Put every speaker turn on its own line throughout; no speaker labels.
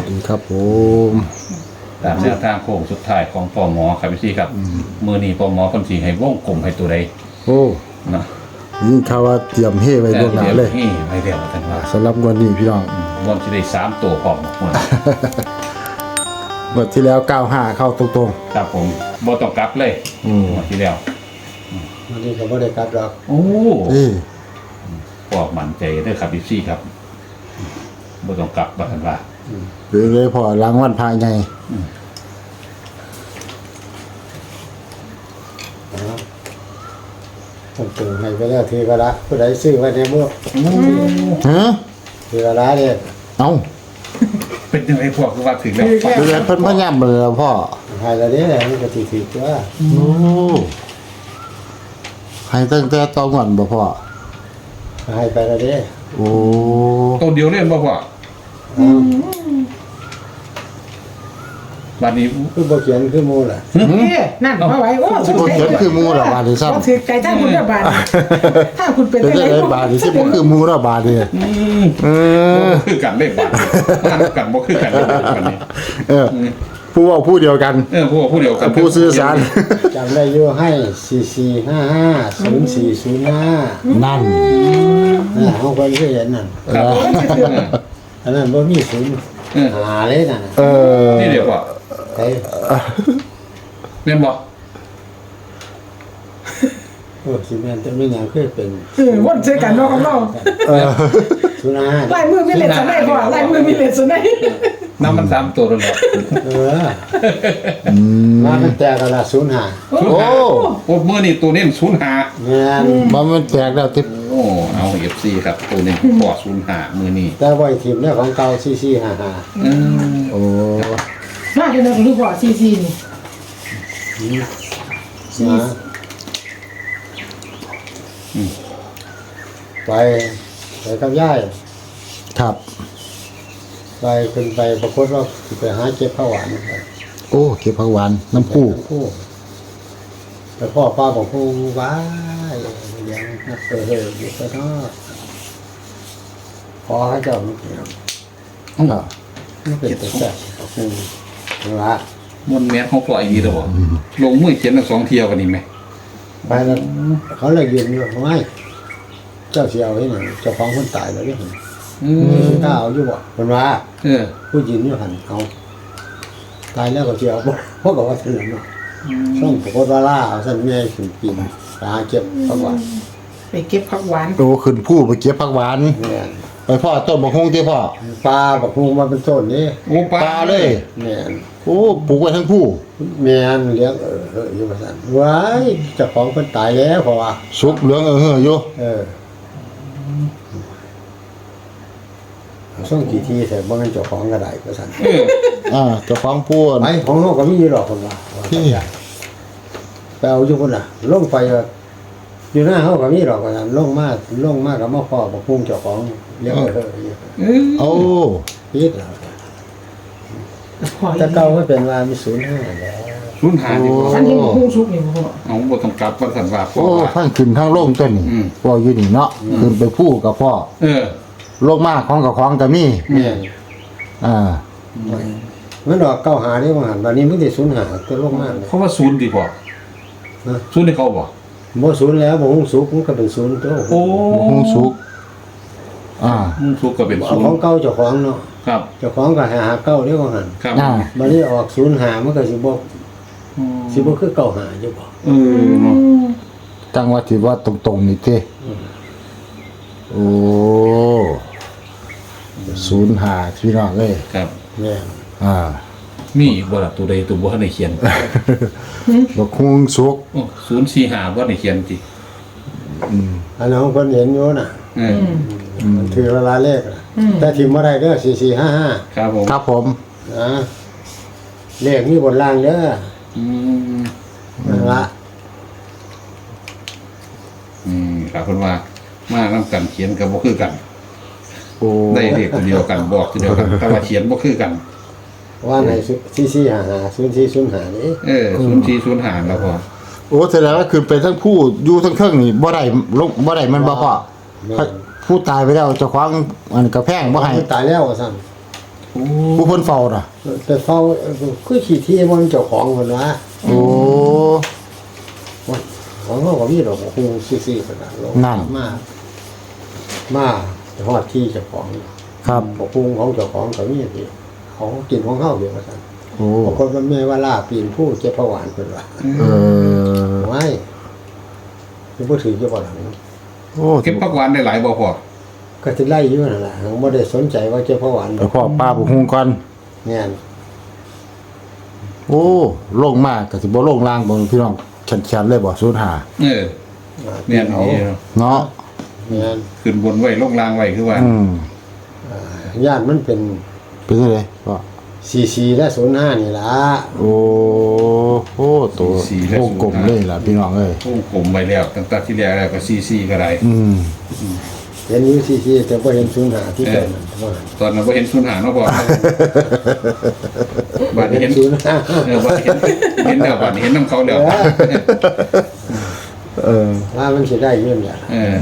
ดีครับผม
ตามแนวทางโค้งสุดท้ายของปอหมอครับพี่ครับมือนี้ปอหมอคนสีให้วงกลมให้ตัวใด
โอ้
เนาะ
ยิ่งข่าวว่าเตรียมเฮไว้ล่วงหน้าเลย
นี่ไม่เดียวท่านว่า
สำหรับวันนี้พี่น้อง
วันที่ได้3ตัวพร้อมหมด
งวดที่แล้ว95เข้าตรง
ครับผมบ่ต้องกลับเลยวันที่แล้ว
วันนี้ก็บ่ได้กลับดอก
โอ้
ๆนี่
ปอกมั่นใจเด้อครับพี่ครับบ่ต้องกลับบ่ท่านว่า
เป็นเลยพอรางวัลภายใน
ผมตื่นให้ไปแล้วทีก็ละผู้ใดซื้อไว้ในมือ
ฮะ
ทีก็ละเนี่ย
เอ้า
เป็นจังไดพวกคือว่าถึงแล้ว
เป็นไงเพิ่นพยายามเบอร์พ่อ
ให้แล้วเนี่ยมันก็ถือตัว
โอ้ให้ตั้งแต่ตอนก่อนบ่พ่อ
ให้ไปแล้วเนี่ย
โอ้
ตัวเดียวเล่นบ่พ่อวันนี้
คือบ่เขียนคือหมูล่ะ
นั่นมาไว้โอ้
สิบ่เขียนคือหมู่ละบาดนี้ซ้ำ
ถือไก่ถ้าคุณจะบาดถ้าคุณเป็น
เป็น
ได้
ได้บาดนี้สิบ่คือหมู่ละบาดนี่เออ
คือกันเลขบาทกันบ่คือกันวันนี้
เออผู้เว้าผู้เดียวกัน
พวกผู้เดียวกัน
ผู้สื่อสาร
จำได้อยู่ให้44550405
นั่น
เฮาก็เคยเห็นนั่น
ครับ
อันนั้นบ่มีศูนย์หาเลยนั่นน่ะ
เออ
นี่เดี๋ยวว่า
ไอ้
แม่นบ่
โอ้สิแม่นแต่ไม่หยังเคยเป็น
วนใช้กันนอกกับนอก
05
ลายมือมีเลนสไนพ่อลายมือมีเลนสไน
น้ำมัน3ตัวแล้ว
เออมามันแตกกันละ05
โอ้
โอ้มื้อนี้ตัวนี้05
แม่น
มันแตกแล้วติ
โอ้เอา FC ครับตัวนี้พอ05มื้อนี้
แต่บ่อยทีมเนี่ยของเก่า4455
โอ้
มาเป็นนักลูกพ่อซีซีนี่
นะไปกับย่าย
ครับ
ไปขึ้นไปปรากฏว่าสิไปหาเก็บข้าวหวานไป
โอ้เก็บผักหวานน้ำคู่
ผู้แต่พ่อป้าบอกผู้ว้ายเลี้ยงนักเตะเฮยอยู่ไปทอดพอให้เจ้ามันเกี่ยว
ครับ
มันเป็นตัวแซ่บละ
มันแม่นของปล่อยดีแล้วบ่ลงมือเขียนทั้ง2เที่ยวกันนี่แม่
ไปแล้วเขาเลยยืนอยู่ไม่เจ้าเสียวให้หน่อยเจ้าของคนตายแล้วเนี่ย กล้าเอาอยู่บ่คนว่า
เออ
ผู้ยืนอยู่หันเอาตายแล้วก็เสียวบ่เพราะก็ว่าถึงเนาะช่องปรากฏว่าล่าเอาสั่นแม่ขึ้นปีนไปหาเก็บข้าวหวาน
ไปเก็บผักหวาน
โอ้ขึ้นผู้ไปเก็บผักหวาน
เนี่ย
ไปพ่อต้นบกฮงที่พ่อ
ปลาบักฮูมาเป็นต้นนี่
โอ้ป
ปลาเลย
แม่น
โอ้ปลูกไว้ทั้งผู้
แม่นเลี้ยงอยู่ว่าซั่นว้ายเจ้าของเพิ่นตายแล้วเพราะว่า
สุกเหลืองอยู่
ช่วงกี่ทีแต่บ่แม่นเจ้าของก็ได้ว่าซั่น
เจ้าของผู้
ไปของเฮาก็มีอยู่หรอกเพิ่นว่า
ที่
ไปเอาอยู่พุ่นน่ะลงไปอยู่หน้าเฮาก็มีหรอกว่าซั่นลงมาก็มาพ่อบักฮูเจ้าของเลี้ยงอยู่
โอ้
ปิดแล้ว
พ่อ
แต่เก่ามันเป็นว่ามี05แล้ว
05ดีกว่า
อันนี้หุ้งชุกนี่พ่อ
เอาบ่ต้องกลับว่าซั่นว่าพ่อ
โอ้
ว่า
ทั้งขึ้นทั้งลงตัวนี้พ่ออยู่นี่เนาะขึ้นไปผู้กับพ่อ
เออ
ลงมาของกับของก็มี
แม่น
อ่า
มันดอกเก้าหานี่ว่าหันบัดนี้มันสิ05ตัวลงมาเนี่ย
เขาว่า0ดีพ่อ0ให้เขาบ่
บ่ศูนย์แล้วบ่ฮู้สุกมันก็เป็นศูนย์ตัว
โอ้
บกฮงสุก
สุกก็เป็น
เอาของเก่าเจ้าของเนาะ
ครับ
เจ้าของก็หาเก่าเด้ว่าหั่น
ครับ
บัดนี้ออก05มันก็สิบ่คือเก่าหาอยู่บ่
เนาะ
จังหวัดที่ว่าตรงๆนี่เท่โอ้05พี่น้องเอ้ย
ครับ
แม่น
มีอีกบ่ล่ะตัวใดตัวบ่ทันได้เขียน
บกฮงสุก
โอ้045บ่ได้เขียนติ
อันนั้นเพิ่นเห็นอยู่น่ะ
เออ
มันถือเวลาเลขน่ะแต่ถิ่มบ่ได้เด้อ4455
ครับผม
ครับผม
นะเลขมีบนล่างเด้อ
อืม
นั่นละ
ครับเพิ่นว่ามานํกันเขียนก็บ่คือกัน
โอ้
ได้เลขตัวเดียวกันบอกตัวเดียวกันแต่ว่าเขียนบ่คือกัน
ว่าใน44550405นี่
0405แล้วพอ
โอ้แสดงว่าคือเป็นทั้งผู้อยู่ทั้งเครื่องนี่บ่ได้ลงบ่ได้มันบ่พอผู้ตายไปแล้วเจ้าของอันกระแพงบ่ให้
มันตายแล้วว่าซั่น
ผู้เพิ่นเฝ้าน่ะ
แต่เฝ้าคือขี้ที่มันเจ้าของคนว่า
โอ้
ของเขาก็มีดอกคงซื่อๆขนาดลง
นั่น
มาฮอดที่เจ้าของ
ครับ
บอกพุงของเจ้าของเขามีที่เขากินของเขาเดียวกัน
โอ้
บางคนมันไม่ว่าล่าปีนผู้เจ็บผวานคนว่า
เออ
ไม่คือผู้ถือเจ้าบ่หลัง
โอ้
เก็บผักหวานได้หลายบ่พอ
ก็จะไล่อยู่นั่นแหละหังไม่ได้สนใจว่าเจ็บผวาน
ไปพ่อป้าบุกฮุงก่อน
เนี่ย
โอ้โล่งมากก็สิบ่โล่งล่างบ่พี่น้องแขนๆเลยบ่สูญหา
เออเนี่ย
เอา
นี่
เนาะ
เนี่ย
ขึ้นบนไว้ลงล่างไว้คือว่า
ญาติมันเป็น
เป็นจังได๋ก็
44และ05นี่ล่ะ
โอ้โหตัววงกลมเลยล่ะพี่น้องเอ้ยว
งกลมไว้แล้วตั้งแต่ที่แรกแล้วก็ซีก็ได้
เห็นอยู่44แต่บ่เห็น05ที่เกิดมันว่า
ตอนนั้นบ่เห็นสูญหายเนาะพ่อบัดนี้เห็น
05
บัดนี้เห็นแล้วบัดนี้เห็นน้ำเขาแล้ว
ว่ามันสิได้เงินล่ะ
เออ
โอ้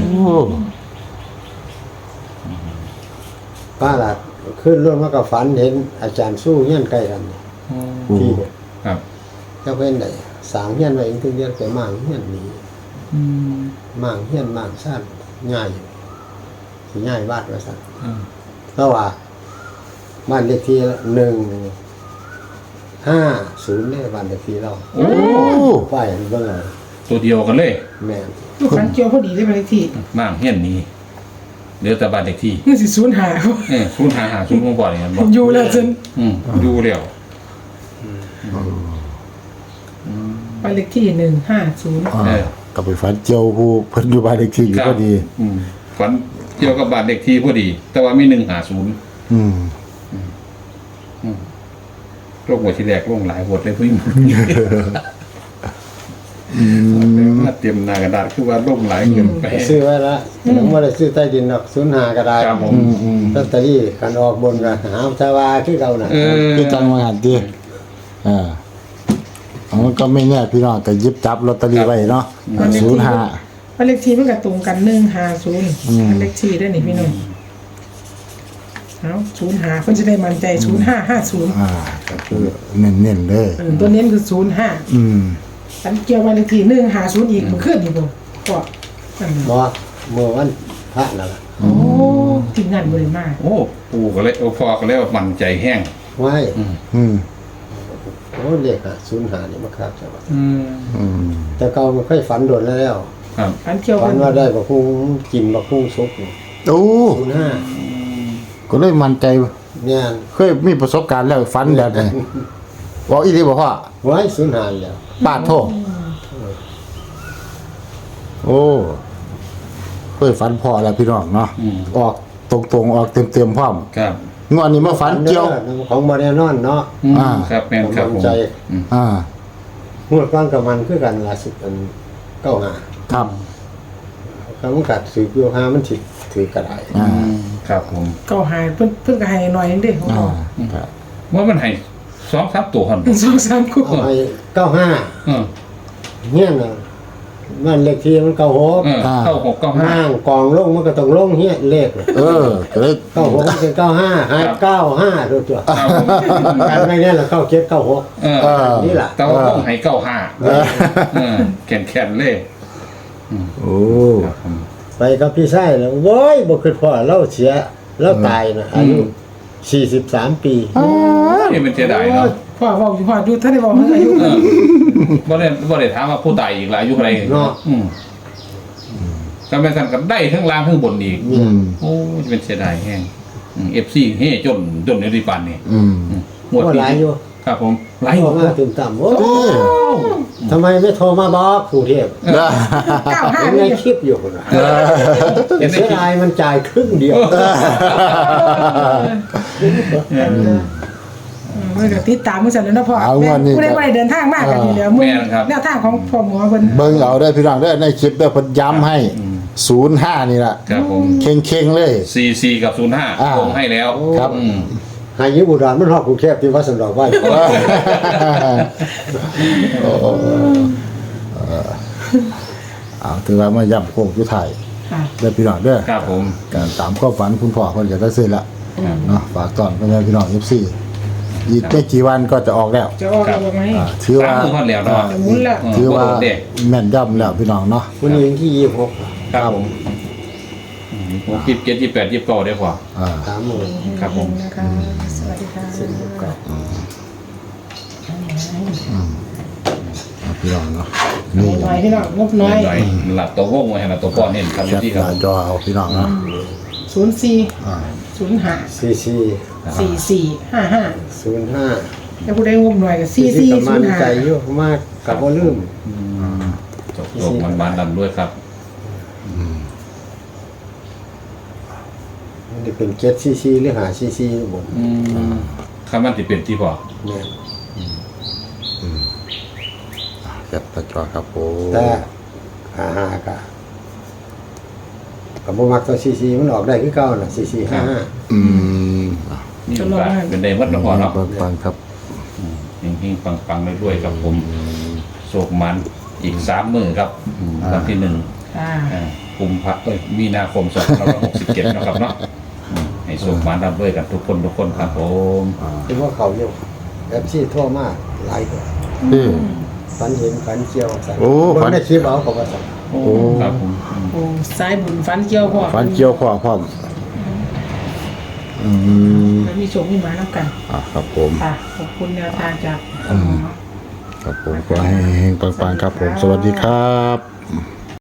ป้าล่ะขึ้นรถมากับฝันเห็นอาจารย์สู้เงี้ยนใกล้กันที่เด็ก
ครับ
เจ้าเพิ่นได้สร้างเงี้ยนไว้เองถึงเรียนไปมั่งเงี้ยนนี้มั่งเงี้ยนมั่งซ่านง่ายอยู่สิง่ายบ้านว่าซั่นเพราะว่าบ้านเลขที่150เนี่ยบ้านเลขที่เรา
โอ้
ป้ายอันเบิ่งเอา
ตัวเดียวกันเลย
แม่น
ลูกฟันเกี่ยวพอดีได้ไปเลยที่
มั่งเฮียนนี้เหลือแต่บ้านเด็กที่
มันสิสูญหาย
สูญหาสูญบ่บ่นี่มันบ่
อยู่แล้วจน
ดูแล้ว
ไปเลขที่150
ก็ไปฝันเจียวผู้เพิ่นอยู่บ้านเลขที่อยู่ก็ดี
ฝันเกี่ยวกับบ้านเด็กที่พอดี แต่ว่ามี150
อืม
โรคหัวที่แรกโรคหลายหัวเลยพี่มาเตรียมหน้ากระดาษคือว่าโรคหลายเกินไป
ก็ซื้อไว้ละยังบ่ได้ซื้อใต้ดินดอก05ก็ได้
ครับผม
ลอตเตอรี่คันออกบนก็หาชาวาคือเก่าน่ะ
คือจังว่าหันติมันก็ไม่แน่พี่น้องก็หยิบจับลอตเตอรี่ไว้เนาะ05
ไปเลขที่มันก็ตรงกัน150ไปเลขที่ได้นี่พี่น้องเอา05เพิ่นจะได้มั่นใจ0550
ก็คือเน้นๆเลย
ตัวเน้นคือ05ฉันเกี่ยวไปเลขที่150อีกมันขึ้นอีกบ่ก็นั่น
บ่เมื่อวันพระนั่นล่ะ
โอ้ทีมงานบ่ได้มา
โอ้ปู่ก็เลยพอก็เลยมั่นใจแห้ง
ไว้
อืม
โอ้เลข05นี่มาครับใช่ป่ะ
อืม
แต่เก่ามันเคยฝันโดนแล้ว
ครับ
ฝันเกี่ยว
ฝั
กัน น
ว่าได้บักพุงกินบักพุงสุก
โอ้
05
ก็เลยมั่นใจ
เนี่ย
เคยมีประสบการณ์แล้วฝันแบบนี้บอกอีหลีบอกว่า
ไว้05แล้ว
ปาดโทษโอ้เคยฝันพอแล้วพี่น้องเนาะออกตรงๆออกเต็มๆพร้อม
ครับ
งวดนี้มาฝันเกี่ยว
ของบ่แน่นอนเนาะ
ครับแม่นครับผม
ใจ
อ่า
งวดก้อนกับมันคือกันล่าสุดมัน95
ครับ
คำมันกัดสืบอยู่หามันสิถือกระได
ครับผม
เก่าหายเพิ่นก็ให้หน่อยนึงเด้ของ
อ่า
เรา
ครับ
ว่ามันให้2-3ตัวหั่น
2-3คู่
เอาให้95เนี่ยน่ะมันเลขที่มัน96
เข้า6 9
นั่งกองลงมันก็ต้องลงเฮียเลขเลย
ก็เลย
96มันเป็น95ให้95ตัว
5
การไม่แน่ละ97 96นี่ล่ะ
แต่ว่าต้องให้95แข็งๆเลย
โอ้
ครับผม
ไปกับพี่ชายแล้วโว้ยบ่คิดพอเราเสียเราตายนะอายุ43 ปี
นี่มันเสียดายเนาะ
พ่อบอกอยู่พ่อดูท่านได้บอกอายุ
บ่ได้ถามว่าผู้ตายอีกหลายอายุเท่าไหร่ก็แม่นสั่นก็ได้ทั้งล่างทั้งบนอีก โอ้จะเป็นเสียดายแห้งFC เฮ้จนในริปานนี่หมด
ก็หลายอยู่
ครับผมหลาย
โทรมาตื่นต่ำโอ้ทำไมไม่โทรมาบอกกรุงเทพ
95
เห็นในคลิปอยู่คนละแต่เสียดายมันจ่ายครึ่งเดียว
มันก็ติดตามมื้อซั่นแล้วเนาะพ่อผู้ใดบ่ได้เดินทางมากกันอยู่แล้วมื้อแนวทางของพ่อหมอเพิ่น
เบิ่งเอาได้พี่น้องได้ในคลิปได้เพิ่นย้ำให้05นี่ล่ะ
ครับผม
เข่งๆเลย
44กับ05ลงให้แล้ว
ครับ
หายุบุดรมันฮอดกรุงเทพที่วัดสันดอกไว้
ถือว่ามาย้ำโค้งสุดท้าย
ค่ะ
เด้อพี่น้องเด้อ
ครับผม
การตามความฝันคุณพ่อเพิ่นก็ได้ซื้อละเนาะฝากตอนพ่อแม่พี่น้องFC อีกไม่กี่วันก็จะออกแล้ว
จะออกแล้วไหม
ถือว่า
สามมือฮอดแล้วเนาะ
จะหมุนละ
ถือว่า
เด็ก
แม่นย่ำแล้วพี่น้องเนาะ
วันนี้วันที่26
ครับผม27 28 29ได้พอ
30,000
ครับผม
นะคะสวัสดีค่ะ
พี่น้องเนาะนี่
หน่อยพี่น้องงบน้อย
หน่อยหลับตัววงไว้ให้หลับตัวป้อนเห็นครับ
แคป
ที่
ห
ครับ
น้าจอเอาพี่น้องเนาะ
04
อ่า
05
44
4455
05
แล้วผู้ได้งบหน่อยก็
ที่กำมันใจ
4405
อยู่มากกับบ่ลืม
จบโลกมันบานดำด้วยครับ
มันจะเป็น7ccหรือ5cc บน
คำมันที่เป็นที่พอ
แม่น
แคปหน้าจอครับผม
แต่55ก็บ่มักตัว cc มันออกได้คือเก่าน่ะ cc 55
อืม
นี่ก็เป็นได้วัดละพอเนาะ
ฟังครับ
เฮงๆปังๆเรื่อยๆครับผมโศกมันอีก3 มื้อครับวันที่
ค่ะ
1กุมภาพันธ์มีนาคม2567นะครับเนาะให้โศกมันรับด้วยกันทุกคนครับผม
คือว่าเขาอยู่ FC โทรมาหลายคน
นี่
ฝันเห็นฝันเกี่ยวสั่น
โอ้
เบิ่
ฝั
ง
น
ในคลิปเอาเขาว่าสั่น
โอ้ครับผม
โอ้สายบุญฟันเกี่ยวพ่อ
ฟันเกี่ยวข้อพร้อมอืม
แล้วมีโชคมีหมาแล้วกัน
ครับผม
ค่ะขอบคุณแนวทางจาก
ครับผมขอให้เฮงๆปังๆครับผม สวัสดีครับ